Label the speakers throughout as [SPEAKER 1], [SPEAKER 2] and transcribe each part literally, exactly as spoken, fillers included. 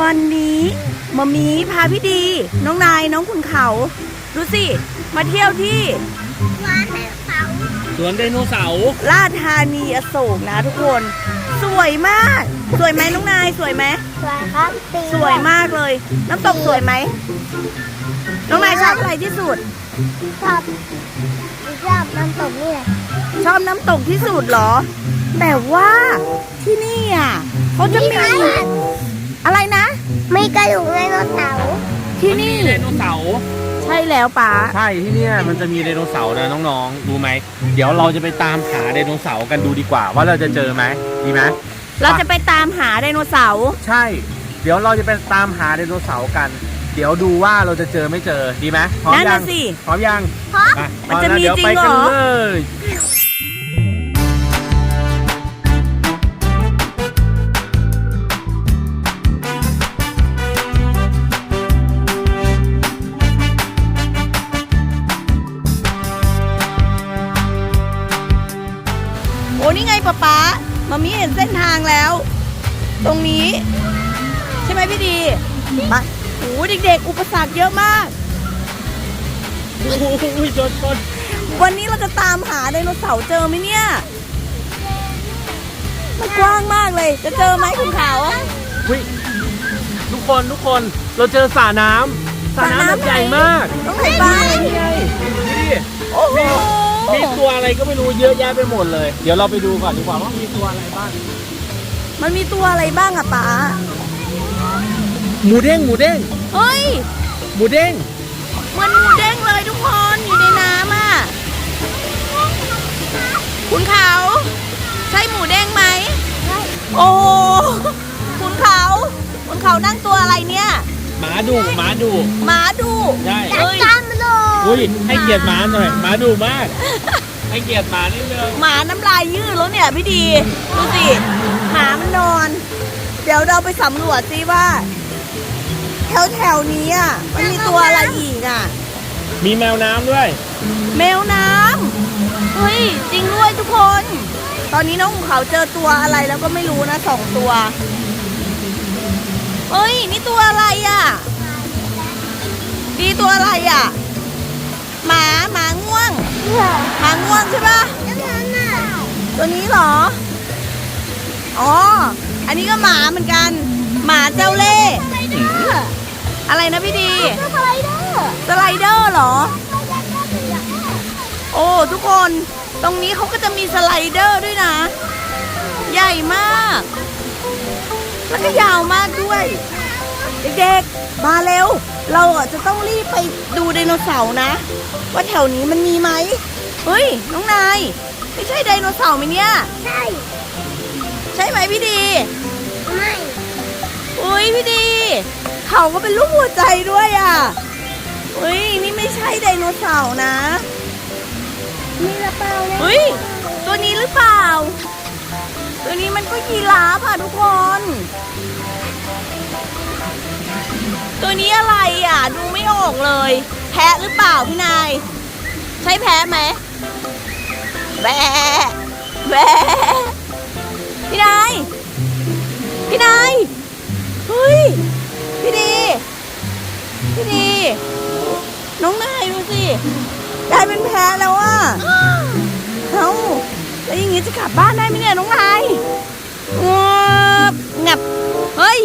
[SPEAKER 1] วันนี้มามีพาพี่ดีน้องนายน้องคุณเขาดูสิมาเที่ยวที่
[SPEAKER 2] สวนไดโนเสาร์
[SPEAKER 1] ลาดธานีอโศกนะทุกคนสวยมากสวยไหมน้องนายสวยไหม
[SPEAKER 3] สวยครับ
[SPEAKER 1] สวยมากเลยน้ำตกสวยไหมน้องนายชอบอะไรที่สุด
[SPEAKER 3] ชอบชอบน้ำตกนี่แหละ
[SPEAKER 1] ชอบน้ำตกที่สุดเหรอแต่ว่าที่นี่อ่ะเขาจะมีอะไรนะ
[SPEAKER 3] มีกระดูกไดโนเสาร์
[SPEAKER 1] ที่นี่
[SPEAKER 2] ไดโนเสาร์
[SPEAKER 1] ใช่แล้วป๋า
[SPEAKER 2] ใช่ที่นี่มันจะมีไดโนเสาร์นะน้องๆรู้ไหมเดี๋ยวเราจะไปตามหาไดโนเสาร์กันดูดีกว่าว่าเราจะเจอไหมดีไหม
[SPEAKER 1] เราจะไปตามหาไดโนเสาร์
[SPEAKER 2] ใช่เดี๋ยวเราจะไปตามหาไดโนเสาร์กันเดี๋ยวดูว่าเราจะเจอไม่เจอดีไหมพร้อมยังพร้อมยัง
[SPEAKER 3] พร้อม
[SPEAKER 1] มันจะมีจริงเหรอโอ้นี่ไงป๊าป๊ามามีเห็นเส้นทางแล้วตรงนี้ใช่ไหมพี่ดีมาโอ้เด็กๆอุปสรรคเยอะมาก
[SPEAKER 2] โอ้ยจนจน
[SPEAKER 1] วันนี้เราจะตามหาไดโนเสาร์เจอไหมเนี่ยมันกว้างมากเลยจะเจอไหมคุณขาว
[SPEAKER 2] ทุกคนทุกคนเราเจอสระน้ำสระน้ำใหญ่มาก
[SPEAKER 1] ต้องไหนบ้าง
[SPEAKER 2] นี่ไงนี่โอ้โหมีตัวอะไรก็ไม่รู้เยอะแยะไปหมดเลยเดี๋ยวเราไปดูก่อนดีกว่าว่ามีตัวอะไรบ้าง
[SPEAKER 1] มันมีตัวอะไรบ้างอะป๋า
[SPEAKER 2] หมูเด้งหมูเด้ง
[SPEAKER 1] เฮ้ย
[SPEAKER 2] หมูเด้ง
[SPEAKER 1] เหมือนหมูเด้งเลยทุกคนอยู่ในน้ำอ่ะคุณเขาใช่หมูเด้งไหมโอ้คุณเขาคุณเขานั่งตัวอะไรเนี่ย
[SPEAKER 2] หมาดุหมาดุ
[SPEAKER 1] หมาดุ
[SPEAKER 2] ใช่
[SPEAKER 3] จัดการมันเลย
[SPEAKER 2] อุ้ยให้เกียรติหมาหน่อยหมาดุมากให้เกียรติหมานิดนึง
[SPEAKER 1] หมาน้ำลายยืดแล้วเนี่ยพี่ดีดูสิหมามันนอนเดี๋ยวเราไปสำรวจซิว่าแถวแถวนี้อ่ะมันมีตัวอะไรอีกอ่ะ
[SPEAKER 2] มีแมวน้ำด้วย
[SPEAKER 1] แมวน้ำเฮ้ยจริงด้วยทุกคนตอนนี้น้องเขาเจอตัวอะไรแล้วก็ไม่รู้นะสองตัวเฮ้ยนี่ตัวอะไรอ่ะดีตัวอะไรอ่ะหมาหมาง่วงหมาง่วงใช่ปะตัวนี้เหรออ๋ออันนี้ก็หมาเหมือนกันหมาเจ้าเล่ห์อะไรนะพี่ดี
[SPEAKER 3] สไลเดอร์
[SPEAKER 1] สไลเดอร์เหรอโอ้ทุกคนตรงนี้เขาก็จะมีสไลเดอร์ด้วยนะใหญ่มากแล้วก็ยาวมากด้วยเด็กๆมาเร็วเราจะต้องรีบไปดูไดโนเสาร์นะว่าแถวนี้มันมีไหมเฮ้ยน้องนายไม่ใช่ไดโนเสาร์ไหมเนี่ย
[SPEAKER 3] ใช่
[SPEAKER 1] ใช่ไหมพี่ดี
[SPEAKER 3] ไม่
[SPEAKER 1] อุ้ยพี่ดีเขาก็เป็นรูปหัวใจด้วยอ่ะอุ้ยนี่ไม่ใช่ไดโนเสาร์นะ
[SPEAKER 3] นี่หรือเปล่าเนี่ย
[SPEAKER 1] อุ้ยตัวนี้หรือเปล่าตัวนี้มันก็ยีราฟอ่ะทุกคนตัวนี้อะไรอ่ะดูไม่ออกเลยแพะหรือเปล่าพี่นายใช่แพะไหมแบะแบะพี่นายพี่นายเฮ้ยพี่ดีพี่ดีน้องนายดูสิกลายเป็นแพะแล้วอ่ะเอ้าแล้วอย่างงี้จะกลับบ้านได้ไหมเนี่ยน้องนายงับงับเฮ้ย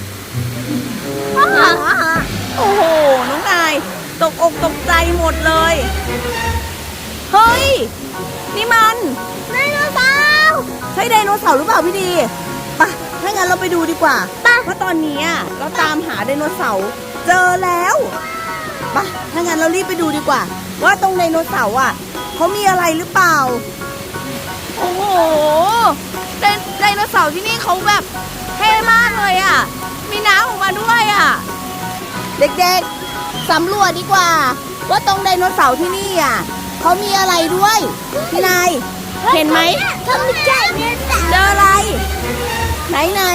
[SPEAKER 1] โอ้โหน้องนายตกอกตกใจหมดเลยเฮ้ยนี่มัน
[SPEAKER 3] ไดโนเสาร์
[SPEAKER 1] ใช่ไดโนเสาร์หรือเปล่าพี่ดีไปถ้างั้นเราไปดูดีกว่าเพราะตอนนี้เราตามหาไดโนเสาร์เจอแล้วไปถ้างั้นเรารีบไปดูดีกว่าว่าตรงไดโนเสาร์อ่ะเขามีอะไรหรือเปล่าโอ้โหไดไดโนเสาร์ที่นี่เขาแบบเท่มากเลยอ่ะมีน้ำออกมาด้วยอ่ะเด็กๆสำรวจดีกว่าว่าตรงไดโนเสาร์ที่นี่อ่ะเขามีอะไรด้วยพี่นายเห็นไหม
[SPEAKER 3] เธอไม่ใช่เนี่ย
[SPEAKER 1] เจออะไรไหนไหน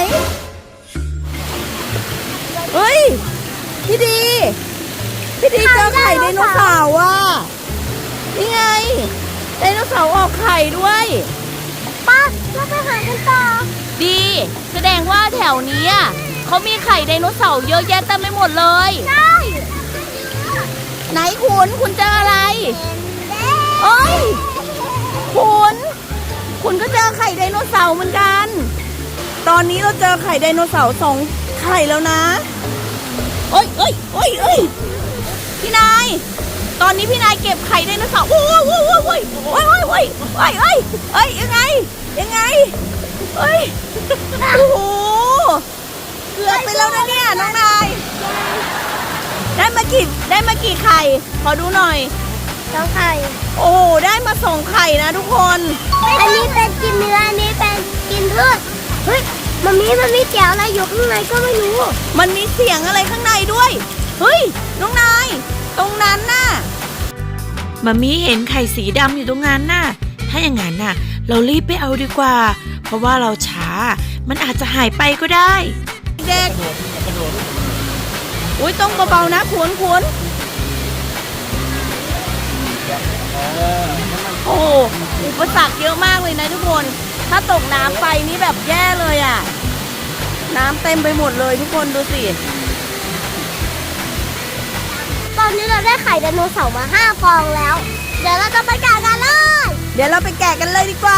[SPEAKER 1] เฮ้ยพี่ดีพี่ดีเจอไข่ไดโนเสาร์อ่ะนี่ไงไดโนเสาร์ออกไข่ด้วย
[SPEAKER 3] ป้าเราไปหากันต่อ
[SPEAKER 1] ดีแสดงว่าแถวนี้เขเขามีไข่ไดโนเสาร์เยอะแยะเต็มไปหมดเลย
[SPEAKER 3] ใช่
[SPEAKER 1] ไหนคุณคุณเจออะไรเอ้ยคุณคุณก็เจอไข่ไดโนเสาร์เหมือนกัน ตอนนี้เราเจอไข่ไดโนเสาร์สองไข่แล้วนะเอ้ยเอ้ยเอ้ยเอ้ยพี่นายตอนนี้พี่นายเก็บไข่ไดโนเสาร์โอ้ยโอ้ยโอ้ยโอ้ยโอ้ยโอ้ยโอ้ยโอ้ยโอ้ยเอ้ยยังไงยังไงเอ้ยโอ้โหเกือบไปแล้วนะเนี่ยน้องนายได้มากี่ได้มากี่ไข่ขอดูหน่อย
[SPEAKER 3] สองไข่
[SPEAKER 1] โอ้โหได้มาสองไข่นะทุกคน
[SPEAKER 3] อันนี้เป็นกินเนื้ออันนี้เป็นกินพืชเฮ้ยมันมีมันมีเจียวอะไรอยู่ข้างในก็ไม่รู้
[SPEAKER 1] มันมีเสียงอะไรข้างในด้วยเฮ้ยน้องนายตรงนั้นน่ะ
[SPEAKER 4] มามีเห็นไข่สีดำอยู่ตรงนั้นน่ะ ถ้าอย่างนั้นน่ะ เรารีบไปเอาดีกว่า เพราะว่าเราช้า มันอาจจะหายไปก็ได้
[SPEAKER 1] เด็กอุ้ยต้องเบาๆนะขวนขวนโอ้อุปสรรคเยอะมากเลยนะทุกคน ถ้าตกน้ำไปนี่แบบแย่เลยอ่ะ น้ำเต็มไปหมดเลยทุกคนดูสิ
[SPEAKER 3] ตอนนี้เราได้ไข่ไดโนเสาร์มาห้าฟองแล้ว เดี๋ยวเราจะไปแกะกันเลย
[SPEAKER 1] เดี๋ยวเราไปแกะกันเลยดีกว่า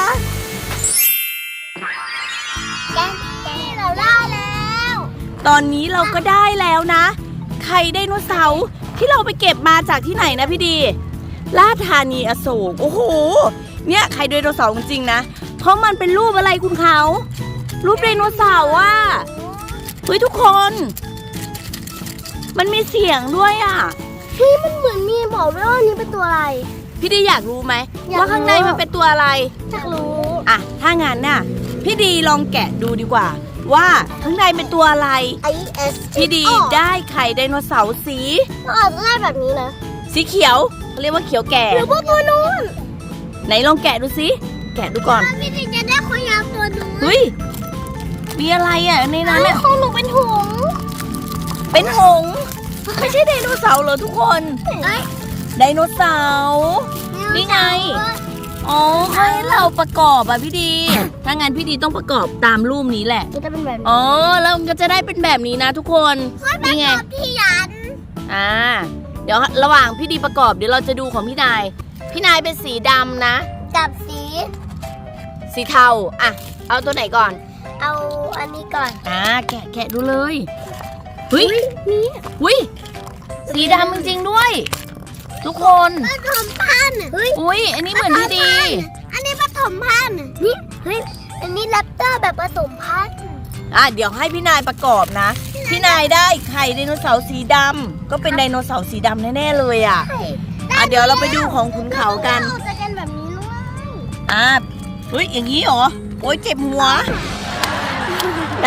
[SPEAKER 3] แกะนี่เราได้แล้ว
[SPEAKER 1] ตอนนี้เราก็ได้แล้วนะ ไข่ไดโนเสาร์ที่เราไปเก็บมาจากที่ไหนนะพี่ดีลาดธานีอโศกโอ้โหเนี่ยไข่ไดโนเสาร์จริงๆนะเพราะมันเป็นรูปอะไรคุณเขารูปไดโนเสาร์อ่ะเฮ้ยทุกคน มันมีเสียงด้วยอ่ะ
[SPEAKER 3] พี่มันเหมือนมีบอกด้วยว่านี่เป็นตัวอะไร
[SPEAKER 1] พี่ดีอยากรู้ไหม
[SPEAKER 3] อยากรู้
[SPEAKER 1] ว่าข้างในมันเป็นตัวอะไร
[SPEAKER 3] อยากรู้
[SPEAKER 1] อ่ะถ้างั้นน่ะพี่ดีลองแกะดูดีกว่า ว่าข้างในเป็นตัวอะไร
[SPEAKER 3] ไอเอส
[SPEAKER 1] พี่ดีได้ไข่ไดโนเสาร์สี
[SPEAKER 3] มันอาจจะได้แบบนี้นะ
[SPEAKER 1] สีเขียวเขาเรียกว่าเขียวแก่
[SPEAKER 3] หรือว่าตัวนู้น
[SPEAKER 1] ไหนลองแกะดูสิแกะดูก่อน
[SPEAKER 3] พี่ดิจะได้ขอยาวตัวนู้น
[SPEAKER 1] เฮ้ยมีอะไรอ่ะในนั้น
[SPEAKER 3] เฮ้ย
[SPEAKER 1] อ่ะ
[SPEAKER 3] ของหนูเป็นหงส์
[SPEAKER 1] เป็นหงส์ไม่ใช่ไดโนเสาร์เหรอทุกคน
[SPEAKER 3] เอ้ย
[SPEAKER 1] ไดโนเสาร์นี่ไงอ๋อให้เราประกอบอ่ะพี่ดี ถ้างั้นพี่ดีต้องประกอบตามรูปนี้แหละ
[SPEAKER 3] มันจะเป็นแบบนี้
[SPEAKER 1] อ๋อแล้วมันก็จะได้เป็นแบบนี้นะทุกคนนี่ไง
[SPEAKER 3] พี่ยัน
[SPEAKER 1] อ่าเดี๋ยวระหว่างพี่ดีประกอบเดี๋ยวเราจะดูของพี่นายพี่นายเป็นสีดำนะ
[SPEAKER 3] กับสี
[SPEAKER 1] สีเทาอ่ะเอาตัวไหนก่อน
[SPEAKER 3] เอาอันนี้ก่อน
[SPEAKER 1] อ่าแกะแกะดูเลยเฮ้ย
[SPEAKER 3] นี่
[SPEAKER 1] อุ้ยสีดำจริงๆด้วย ทุกคน
[SPEAKER 3] ปฐมพันธุ์เฮ้ย
[SPEAKER 1] อุ้ยอันนี้เหมือนพี่ดี
[SPEAKER 3] อันนี้ปฐมพันธุ์นี่เฮ้ยอันนี้แรปเตอร์แบบผสมพันธุ์
[SPEAKER 1] อ่ะเดี๋ยวให้พี่นายประกอบนะพี่นายได้ไข่ไดโนเสาร์สีดำก็เป็นไดโนเสาร์สีดำแน่ๆเลยอ่ะอ่ะเดี๋ยวเราไปดูของขุนเขากัน
[SPEAKER 3] เราจะกันแบบนี้ด้วย
[SPEAKER 1] อ่ะเฮ้ยอย่างนี้เหรอโอ้ยเจ็บหัวได้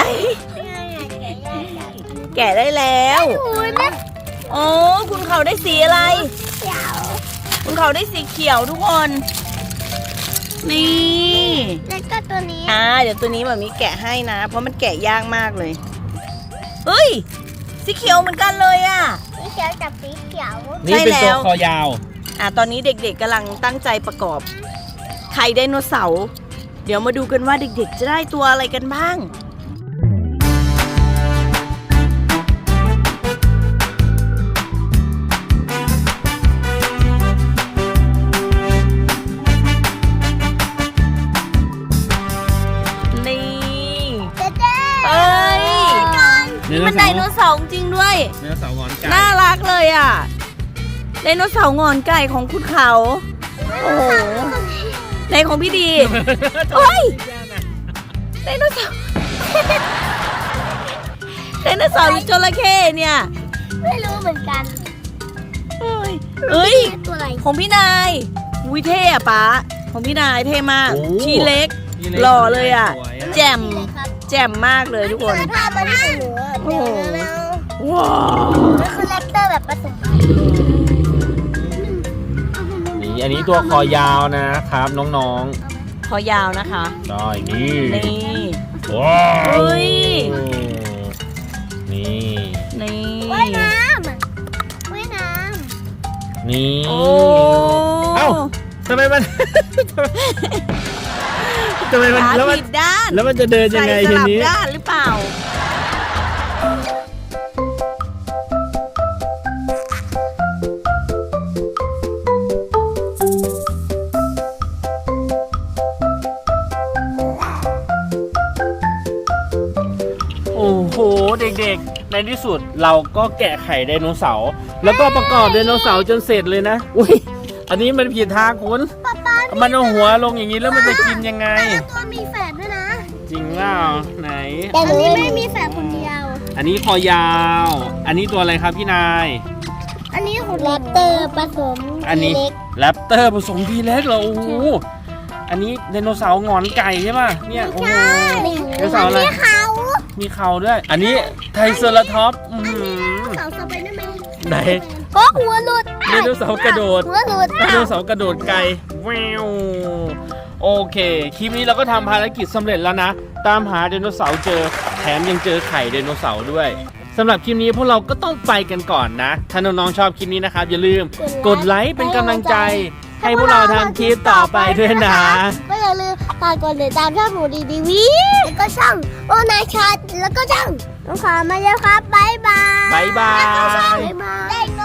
[SPEAKER 1] แกะได้แล้ว
[SPEAKER 3] โอ้ยแม่
[SPEAKER 1] โอ้คุณเขาได้สีอะไร
[SPEAKER 3] เขียว
[SPEAKER 1] คุณเขาได้สีเขียวทุกคน นี่
[SPEAKER 3] แล้วก็ตัวนี้
[SPEAKER 1] อ่าเดี๋ยวตัวนี้แบบมีแกะให้นะ เพราะมันแกะยากมากเลย เฮ้ย สีเขียวเหมือนกันเลยอ่ะ
[SPEAKER 3] สีเขียวกับสีเขียว
[SPEAKER 2] นี่เป็นตัวคอยาว
[SPEAKER 1] อ่าตอนนี้เด็กๆกำลังตั้งใจประกอบ ไข่ไดโนเสาร์เดี๋ยวมาดูกันว่าเด็กๆจะได้ตัวอะไรกันบ้าง นี่
[SPEAKER 3] เจ๊เจ๊
[SPEAKER 1] เอ้ย
[SPEAKER 2] ไดโน
[SPEAKER 1] มัน
[SPEAKER 2] เสาร์
[SPEAKER 1] ไดโนเสาร์จริงด้วย
[SPEAKER 2] ไดโนเสาร์งอนไก่
[SPEAKER 1] น่ารักเลยอ่ะ ไดโนเสาร์งอนไก่ของคุณเขา โอ้โห ในของพี่ดีเฮ้ย ไดโนเสาร์ ไดโนเสาร์หรือจระเข้เนี่ย
[SPEAKER 3] ไม่รู้เหมือนกัน
[SPEAKER 1] เอ้ยเอ้ย
[SPEAKER 3] ตัวอะไร
[SPEAKER 1] ของพี่นายวิเท่อะป๊าของพี่นายเท่มาก
[SPEAKER 2] โอ้
[SPEAKER 1] ชีเล็ก
[SPEAKER 2] นี่
[SPEAKER 1] หล่อเลยอ่ะ
[SPEAKER 2] สวย
[SPEAKER 1] แจ่ม
[SPEAKER 3] เลยครับ
[SPEAKER 1] แจ่มมากเลยทุกคน
[SPEAKER 3] ภาพมันที่หนู
[SPEAKER 1] โอ้
[SPEAKER 3] เดี๋ยว
[SPEAKER 1] โห
[SPEAKER 3] แล้ว
[SPEAKER 1] ว้าว
[SPEAKER 3] มันคือแรปเตอร์แบบผสมพันธุ์
[SPEAKER 2] นี่อันนี้ตัวคอยาวนะครับน้อง
[SPEAKER 1] คอยาวนะคะ
[SPEAKER 2] ๆได้นี่
[SPEAKER 1] นี่
[SPEAKER 2] ว้าว
[SPEAKER 1] เฮ้ย
[SPEAKER 2] นี่
[SPEAKER 1] นี่
[SPEAKER 3] ว่ายน้ำว่ายน้
[SPEAKER 2] นี่
[SPEAKER 1] โอ้
[SPEAKER 2] เอ้า ทำไมมัน ทำไมมัน
[SPEAKER 1] ขา
[SPEAKER 2] แล้วมัน
[SPEAKER 1] ผิดด้าน
[SPEAKER 2] แล้วมันจะเดินยังไง
[SPEAKER 1] ใส่ส
[SPEAKER 2] ที
[SPEAKER 1] ลับ
[SPEAKER 2] นี้
[SPEAKER 1] ด้านหรือเปล่า
[SPEAKER 2] ในที่สุดเราก็แกะไข่ไดโนเสาร์แล้วก็ประกอบไดโนเสาร์จนเสร็จเลยนะอุ้ยอันนี้มันผิดทางคุณ
[SPEAKER 3] ป๊าป๊า
[SPEAKER 2] มันเอาหัวลงอย่างนี้แล้วมันจะกินยังไง
[SPEAKER 3] แต่ละตัวมีแฝดด้วยนะ
[SPEAKER 2] จริงเปล่าไหน
[SPEAKER 3] แต่อันนี้ไม่มีแฝดคนเดียว
[SPEAKER 2] อันนี้คอยาว อันนี้ตัวอะไรครับพี่นาย
[SPEAKER 3] อันนี้ของแรปเตอร์ผสม
[SPEAKER 2] อันนี้
[SPEAKER 3] เล็ก
[SPEAKER 2] แรปเตอร์ผสมทีเล็กเหรอโอ้โหอันนี้ไดโนเสาร์หงอนไก่ใช่ป่ะเนี่ยโอ้โห ไดโนเสาร์อะไร
[SPEAKER 3] มีเขา
[SPEAKER 2] มีเขาด้วย อันนี้ไทรเซอราทอปส์อื้อหือ
[SPEAKER 3] เสาสไปเดอร์แมน
[SPEAKER 2] ไหน
[SPEAKER 3] โอ้หัวหลุด
[SPEAKER 2] ไดโนเสาร์กระโดด
[SPEAKER 3] หัวหลุด
[SPEAKER 2] ไดโนเสาร์กระโดดไกลแววโอเค คลิปนี้เราก็ทำภารกิจสำเร็จแล้วนะ ตามหาไดโนเสาร์เจอ แถมยังเจอไข่ไดโนเสาร์ด้วยสำหรับคลิปนี้พวกเราก็ต้องไปกันก่อนนะ ถ้าน้องๆชอบคลิปนี้นะครับ อย่าลืมกดไลค์เป็นกำลังใจ ให้พวกเราทำคลิปต่อไปด้วยนะ
[SPEAKER 3] ก็อย่าลืมฝากกดติดตามช่องหนูดีดีวีแล้วก็ช่องโอนายชัดแล้วก็ช่องน้องขอมาแล้วครับบ๊ายบาย
[SPEAKER 2] บ๊ายบาย
[SPEAKER 3] บ๊ายบาย